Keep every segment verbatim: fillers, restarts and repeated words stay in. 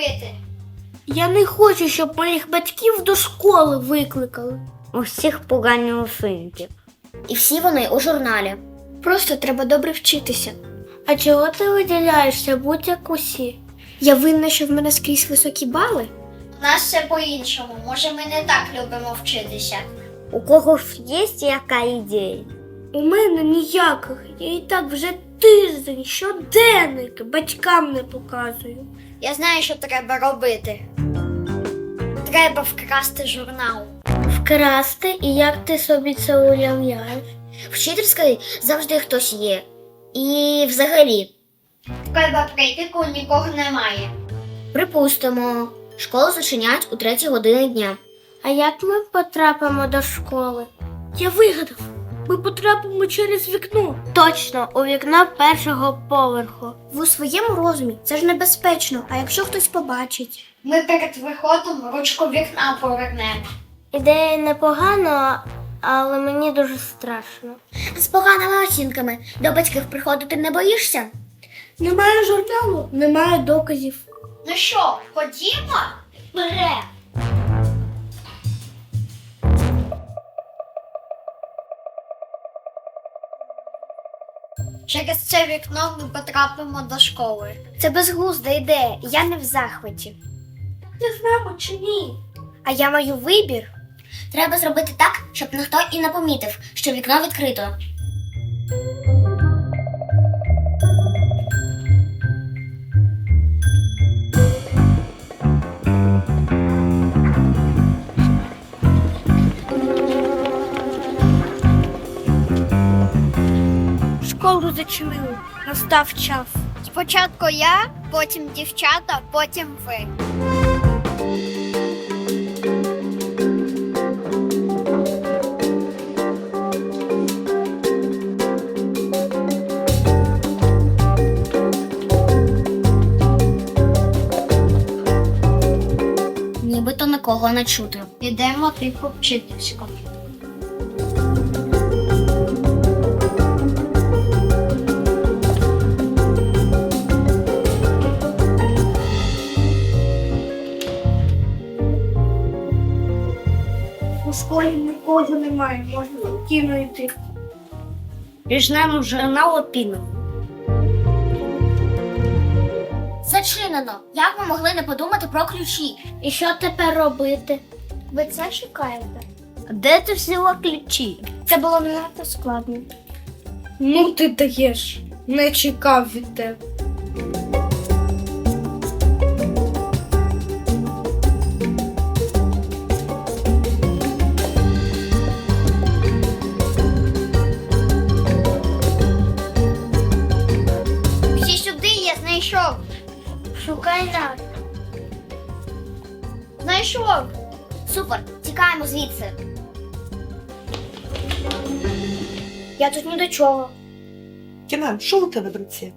робити? Я не хочу, щоб моїх батьків до школи викликали. У всіх погані оцінки. І всі вони у журналі. Просто треба добре вчитися. А чого ти виділяєшся, будь як усі? Я винна, що в мене скрізь високі бали? У нас все по-іншому. Може, ми не так любимо вчитися. У кого ж є яка ідея? У мене ніяких. Я і так вже тиждень, щоденник батькам не показую. Я знаю, що треба робити. Треба вкрасти журнал. Вкрасти? І як ти собі це уявляєш? Вчительської завжди хтось є. І взагалі. Треба прийти, коли нікого немає. Припустимо, школу зачиняють у третій годині дня. А як ми потрапимо до школи? Я вигадав. Ми потрапимо через вікно. Точно, у вікно першого поверху. Ви у своєму розумі, це ж небезпечно, а якщо хтось побачить? Ми перед виходом ручку вікна повернемо. Ідея непогана, але мені дуже страшно. З поганими оцінками до батьків приходити не боїшся? Немає журналу, немає доказів. Ну що, ходімо? Вперед! Через це вікно ми потрапимо до школи. Це безглузда ідея, я не в захваті. Не знаємо чи ні. А я маю вибір. Треба зробити так, щоб ніхто і не помітив, що вікно відкрито. Школу зачинили. Настав час. Спочатку я, потім дівчата, потім ви. Нібито нікого не чути. Ідемо тихо вчительську. У школі нікого немає, можна спокійно йти. Візьмемо журнал опіну. Зачинено. Як ми могли не подумати про ключі? І що тепер робити? Ви це шукаєте? Де ти взяла ключі? Це було не надто складно. Ну ти даєш. Не чекав від тебе. Всі сюди, я знайшов. Шукай нас. Знайшов. Супер, тікаємо звідси. Я тут ні до чого. Кінан, що у тебе в руці?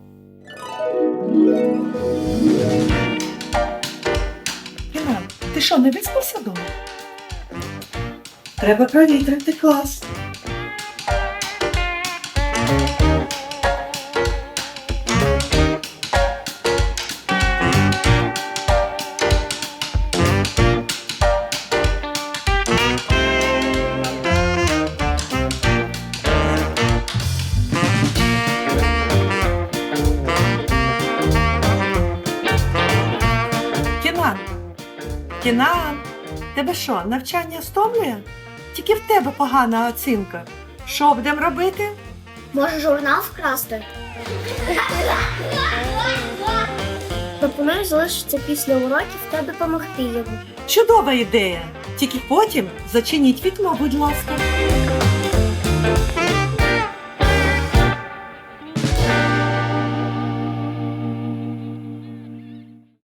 Кінан, ти що, не виспався дома? Треба провітрити клас. Кінан, Кінан, тебе що, навчання стомлює? Тільки в тебе погана оцінка. Що будемо робити? Може, журнал вкрасти? Пропоную залишитися після уроків та допомогти йому. Чудова ідея. Тільки потім зачиніть вікно, будь ласка.